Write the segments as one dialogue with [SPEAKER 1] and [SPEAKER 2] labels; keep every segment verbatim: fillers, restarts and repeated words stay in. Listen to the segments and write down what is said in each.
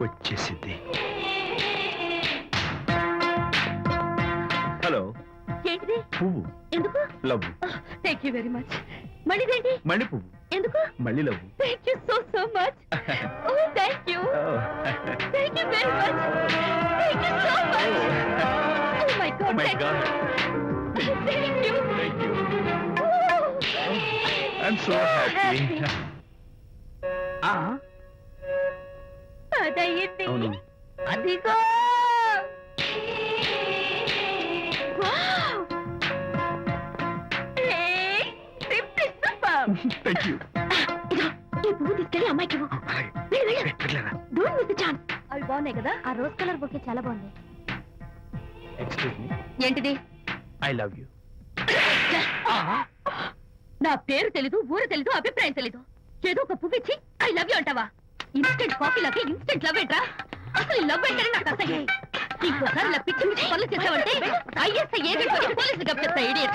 [SPEAKER 1] వచ్చేసింది. హలో.
[SPEAKER 2] ఏంటిది?
[SPEAKER 1] పువ్వు.
[SPEAKER 2] ఎందుకు?
[SPEAKER 1] Love.
[SPEAKER 2] Thank you very much. మళ్ళీదేంటి?
[SPEAKER 1] మళ్ళీ పువ్వు.
[SPEAKER 2] ఎందుకు?
[SPEAKER 1] మళ్ళీ love.
[SPEAKER 2] Thank you so so much. Oh thank you. Thank you very much. Thank you so much. Oh my god.
[SPEAKER 1] My god.
[SPEAKER 2] Thank you.
[SPEAKER 1] Thank you. I'm so happy.
[SPEAKER 2] అదయ్యింది.
[SPEAKER 1] అవును.
[SPEAKER 2] అదిగో.
[SPEAKER 1] Thank you.
[SPEAKER 2] ఈ పువ్వు తీసుకెళ్ళి అమ్మాయికి ఇవ్వు. వెళ్ళు, వెళ్ళు. Don't miss the chance. అవి బాగున్నాయి కదా? ఆ రోజ్ కలర్ బొకే చాలా బాగుంది.
[SPEAKER 1] Excuse me.
[SPEAKER 2] ఏంటిది?
[SPEAKER 1] I love you.
[SPEAKER 2] నా పేరు తెలీదు, ఊరు తెలీదు, అభిప్రాయం తెలీదు. ఏదో ఒక పువ్వు ఇచ్చి ఐ లవ్ యూ అంటావా? ఇన్స్టెంట్ కాఫీ లాగే ఇన్స్టెంట్ లవ్ ఏంట్రా? అసలు లవ్ ఏంటని నాకు అసహ్యం. ఇంకోసారి ఇలా పిచ్చి పిచ్చి పనులు చేసావంటే ఐఎస్ఐ ఏజెంట్ వచ్చి పోలీసులు గప్పిస్తా. ఇడియట్.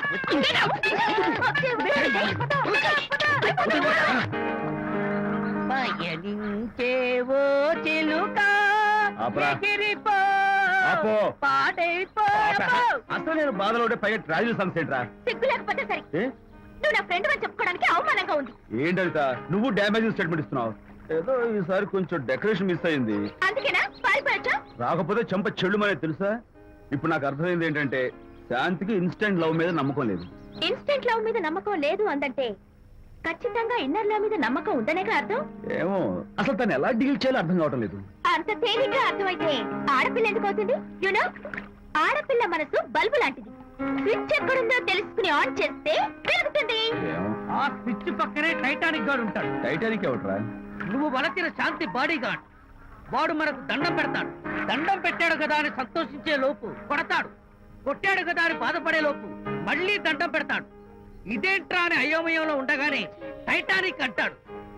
[SPEAKER 3] పయనించేవో చిలుక ఎగిరిపో పాడైపో.
[SPEAKER 1] అసలు నేను బాధలో ఉంటే పైగా ట్రాజెడీ సాంగ్స్ ఏంట్రా?
[SPEAKER 2] సిగ్గు లేకపోతే సరే. నువ్వు నా ఫ్రెండ్ అని చెప్పుకోవడానికి అవమానంగా ఉంది.
[SPEAKER 1] ఏంటంట నువ్వు డ్యామేజింగ్ స్టేట్మెంట్ ఇస్తున్నావు? ఏదో ఈసారి కొంచెం డెకరేషన్ మిస్ అయింది.
[SPEAKER 2] అందుకేనా పారిపోయొచ్చా?
[SPEAKER 1] రాకపోతే చెంప చెల్లు అనేది తెలుసా? ఇప్పుడు నాకు అర్థమైంది ఏంటంటే శాంతికి ఇన్స్టెంట్ లవ్ మీద నమ్మకం లేదు.
[SPEAKER 2] ఇన్స్టెంట్ లవ్ మీద నమ్మకం లేదు అందంటే ఖచ్చితంగా ఇన్నర్ లవ్ మీద నమ్మకం ఉందనేగా అర్థం.
[SPEAKER 1] ఏమో అసలు తను ఎలా డీల్ చేయాలో అర్థం కావటం లేదు.
[SPEAKER 2] అంత తేలిగ్గా అర్థమైతే ఆడపిల్ల ఎందుకు అవుతుంది? యూనో, ఆడపిల్ల మనసు బల్బు లాంటిది. స్విచ్ ఎక్కడుందో తెలుసుకుని ఆన్ చేస్తే పెరుగుతుంది.
[SPEAKER 3] ఆ స్విచ్ పక్కనే టైటానిక్ గార్డ్ ఉంటాడు.
[SPEAKER 1] టైటానిక్ ఎవట్రా?
[SPEAKER 3] నువ్వు వలచిన శాంతి బాడీ గార్డ్. వాడు మనకు దండం పెడతాడు. దండం పెట్టాడు కదా అని సంతోషించే లోపు కొడతాడు. కొట్టాడు కదా అని బాధపడే లోపు మళ్ళీ దండం పెడతాడు. ఇదేంట్రా అని అయోమయంలో ఉండగానే టైటానిక్ అంటాడు.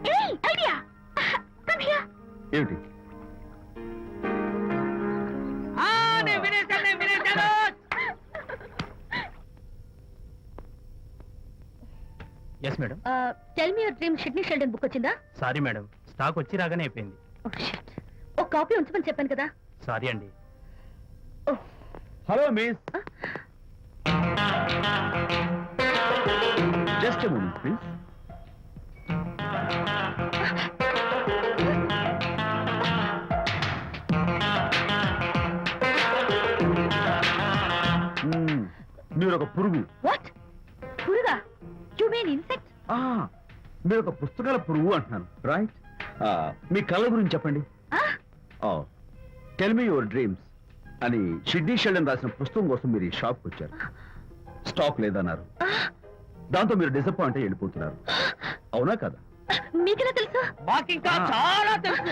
[SPEAKER 1] ఏమిటి?
[SPEAKER 3] వినేశాను వినేశాను.
[SPEAKER 4] Yes madam.
[SPEAKER 2] Tell me your dream Sidney Sheldon book వచ్చిందా?
[SPEAKER 4] సారీ మేడం, స్టాక్ వచ్చి రాగానే అయిపోయింది.
[SPEAKER 2] ఒక కాపీ ఉంచమని చెప్పాను కదా.
[SPEAKER 4] సారీ అండి.
[SPEAKER 1] Hello miss. Just a moment please. మీరు ఒక పురుగు.
[SPEAKER 2] వాట్? పురుగా? You mean insect?
[SPEAKER 1] మీరు ఒక పుస్తకాల పురుగు అంటున్నాను, రైట్? మీ కళ గురించి చెప్పండి. టెల్ మీ యువర్ డ్రీమ్స్ అని షిడ్నీ షెల్డన్ రాసిన పుస్తకం కోసం మీరు ఈ షాప్కి వచ్చారు. స్టాక్ లేదన్నారు. దాంతో మీరు డిసప్పాయింట్ అయ్యి వెళ్ళిపోతున్నారు. అవునా కదా?
[SPEAKER 2] మీకెలా తెలుసు?
[SPEAKER 3] మాకింకా చాలా తెలుసు.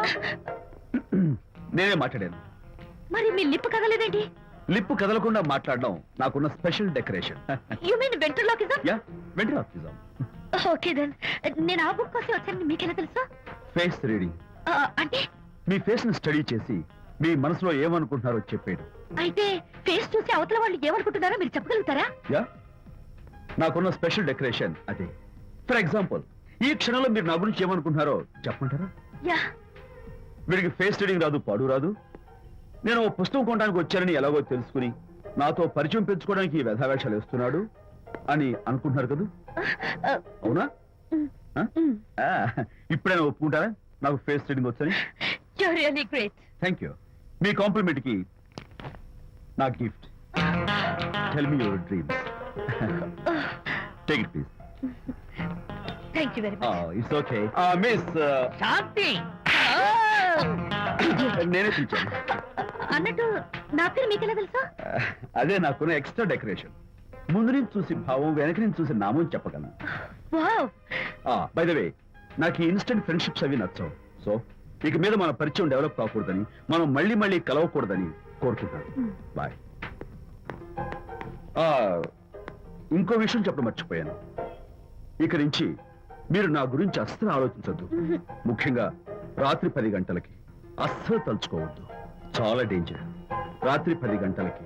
[SPEAKER 1] నేనే మాట్లాడాను.
[SPEAKER 2] మరి మీ లిప్ కదలేదేంటి?
[SPEAKER 1] లిప్పు కదలకుండా మాట్లాడడం నాకున్న special decoration.
[SPEAKER 2] You mean ventriloquism?
[SPEAKER 1] Yeah, ventriloquism.
[SPEAKER 2] Okay then. నేను ఆ బుక్ కోసం వచ్చానని మీకెలా తెలుసు?
[SPEAKER 1] Face reading.
[SPEAKER 2] అంటే
[SPEAKER 1] మీ ఫేస్ ని స్టడీ చేసి మీ మనసులో ఏమనుకుంటున్నారో చెప్పేది.
[SPEAKER 2] అయితే ఫేస్ చూసి అవతల వాళ్ళు ఏమనుకుంటున్నారో మీరు చెప్పగలుగుతారా?
[SPEAKER 1] యా, నాకున్న స్పెషల్ డెకరేషన్ అదే. ఫర్ ఎగ్జాంపుల్, ఈ క్షణంలో మీరు నా గురించి ఏమనుకుంటున్నారో చెప్పమంటారా?
[SPEAKER 2] యా.
[SPEAKER 1] వీడికి ఫేస్ రీడింగ్ రాదు, పాడు రాదు. నేను ఓ పుస్తకం కొనడానికి వచ్చానని ఎలాగో తెలుసుకుని నాతో పరిచయం పెంచుకోవడానికి ఈ వ్యధావేషాలు వేస్తున్నాడు అని అనుకుంటున్నారు కదా? అవునా? ఇప్పుడైనా ఒప్పుకుంటారా నాకు ఫేస్ రీడింగ్ వచ్చని?
[SPEAKER 2] You are really great.
[SPEAKER 1] Thank you. మీ కాంప్లిమెంట్ కి నా గిఫ్ట్. Tell me your dreams. Take it please.
[SPEAKER 2] Thank you very much.
[SPEAKER 1] It's okay. Miss
[SPEAKER 3] Shanti,
[SPEAKER 1] నేనే పిలిచాను.
[SPEAKER 2] అన్నట్టు నా పేరు మీకెలా తెలుసా?
[SPEAKER 1] అదే నాకున్న ఎక్స్ట్రా డెకరేషన్. ముందు నుంచి చూసి భావం, వెనక నుంచి చూసి నామం చెప్పగలను.
[SPEAKER 2] వావ్.
[SPEAKER 1] బై ద వే, నాకు ఈ ఇన్స్టెంట్ ఫ్రెండ్షిప్స్ అవి నచ్చవు. సో ఇక మీద మన పరిచయం డెవలప్ కాకూడదని, మనం మళ్ళీ మళ్ళీ కలవకూడదని కోరుకుంటాను. బాయ్. ఇంకో విషయం చెప్పడం మర్చిపోయాను. ఇక నుంచి మీరు నా గురించి అస్సలు ఆలోచించద్దు. ముఖ్యంగా రాత్రి పది గంటలకి అస్సలు తలుచుకోవద్దు. చాలా డేంజర్. రాత్రి పది గంటలకి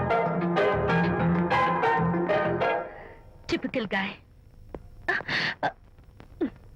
[SPEAKER 2] టిపికల్ గాయ్.